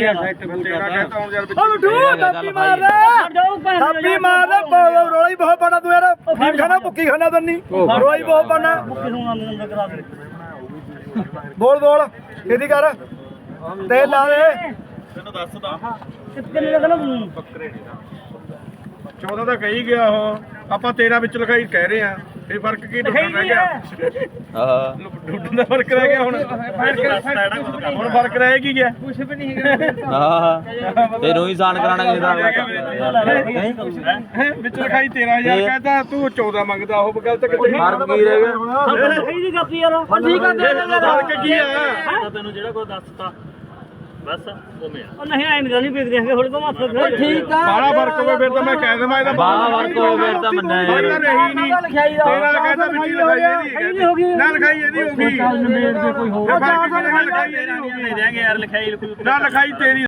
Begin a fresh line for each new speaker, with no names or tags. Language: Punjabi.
ਯਾਰ ਤੇਰਾ ਕਹਿੰਦਾ ਹੁਣ ਯਾਰ
ਉਹ ਮਿੱਠੂ ਥਾਪੀ ਮਾਰ ਦੇ ਥਾਪੀ ਮਾਰ ਦੇ ਰੋਲਾ ਹੀ ਬਹੁਤ ਪਾਣਾ ਤੂੰ ਯਾਰ ਫੀਮ ਖਾਣਾ ਭੁੱਕੀ ਖਾਣਾ ਤੰਨੀ ਰੋਲਾ ਹੀ ਬਹੁਤ ਪਾਣਾ ਬੋਲ ਬੋਲ ਇਹਦੀ ਕਰ ਤੇਲ ਲਾ ਦੇ
ਤੈਨੂੰ ਦੱਸਦਾ
ਕਿੰਨੇ ਲੱਗਣਾ
ਬੱਕਰੇ 14 ਤਾਂ ਕਹੀ ਗਿਆ ਉਹ ਆਪਾਂ 13 ਵਿੱਚ ਲਿਖਾਈ ਕਹਿ ਰਹੇ ਆ ਇਹ ਫਰਕ ਕੀ ਡੁੱਡਣ ਰਹਿ ਗਿਆ
ਹਾਂ
ਡੁੱਡਣ ਦਾ ਫਰਕ ਰਹਿ ਗਿਆ ਹੁਣ ਫਰਕ ਰਹਿ ਕੀ ਗਿਆ ਕੁਝ ਵੀ ਨਹੀਂ ਹੈਗਾ
ਹਾਂ ਤੇ ਰੋਈ ਸਾਨ ਕਰਾਣਾ ਕਿਸੇ ਦਾ
ਵਿੱਚ ਲਿਖਾਈ 13000 ਕਹਿੰਦਾ ਤੂੰ 14 ਮੰਗਦਾ ਉਹ ਗਲਤ ਕਿੱਥੇ
ਫਰਕ ਕੀ ਰਹਿ ਗਿਆ
ਸਹੀ ਦੀ ਕਾਪੀ ਯਾਰ ਠੀਕ ਆ
ਫਰਕ ਕੀ ਆ
ਤੈਨੂੰ ਜਿਹੜਾ ਕੋਈ ਦੱਸਤਾ ਬਸ ਉਵੇਂ ਆ
ਉਹ ਨਹੀਂ ਆਇਨ ਨਹੀਂ ਵੇਖਦੇ ਹੈਗੇ ਹੁਣ ਤਾਂ ਮਾਫ
ਠੀਕ ਆ
ਬਾਲਾ ਫਰਕ ਹੋਵੇ ਫਿਰ ਤਾਂ ਮੈਂ ਕਹਿ ਦੇਵਾਂ ਇਹਦਾ
ਬਾਲਾ ਵਰਕ ਹੋ ਫਿਰ ਤਾਂ ਮੰਨਿਆ ਯਾਰ
ਰਹੀ ਨਹੀਂ ਤੇਰਾ ਕਹਿੰਦਾ ਵਿੱਚ ਲਿਖਾਈ ਇਹਦੀ ਨਾ ਲਿਖਾਈ ਇਹਦੀ ਹੋ ਗਈ ਕੋਈ ਹੋਰ ਲਿਖਾਈ ਇਹਦੀ ਹੋ ਗਈ
ਦੇ ਦਿਆਂਗੇ ਯਾਰ ਲਿਖਾਈ
ਨਾ ਲਿਖਾਈ ਤੇਰੀ